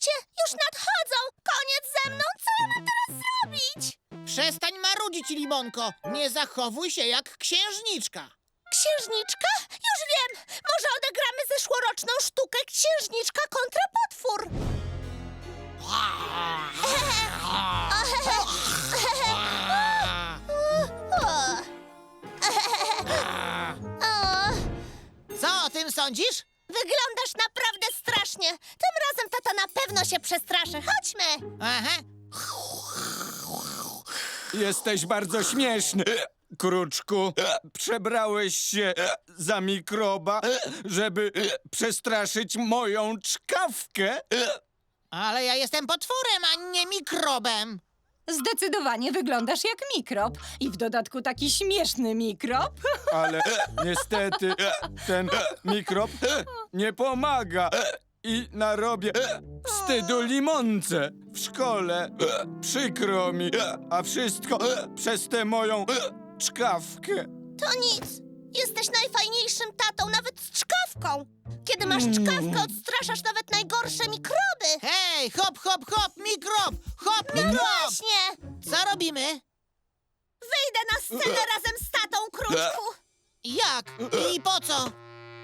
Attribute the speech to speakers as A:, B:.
A: Słuchajcie, już nadchodzą! Koniec ze mną! Co ja mam teraz zrobić?
B: Przestań marudzić, Limonko. Nie zachowuj się jak księżniczka.
A: Księżniczka? Już wiem! Może odegramy zeszłoroczną sztukę Księżniczka kontra potwór!
B: Co o tym sądzisz?
A: Wyglądasz naprawdę strasznie! Tym razem tata na pewno się przestraszy. Chodźmy!
B: Aha.
C: Jesteś bardzo śmieszny, Kruczku. Przebrałeś się za mikroba, żeby przestraszyć moją czkawkę.
B: Ale ja jestem potworem, a nie mikrobem.
D: Zdecydowanie wyglądasz jak mikrob. I w dodatku taki śmieszny mikrob.
C: Ale niestety ten mikrob nie pomaga i narobię wstydu limonce w szkole. Przykro mi, a wszystko przez tę moją czkawkę.
A: To nic. Jesteś najfajniejszym tatą, nawet z czkawką. Kiedy masz czkawkę, odstraszasz nawet najgorsze mikroby.
B: Hej, hop, hop, hop, mikrob! Hop, mikrob!
A: Właśnie!
B: Co robimy?
A: Wyjdę na scenę razem z tatą, Kruczku.
B: Jak? I po co?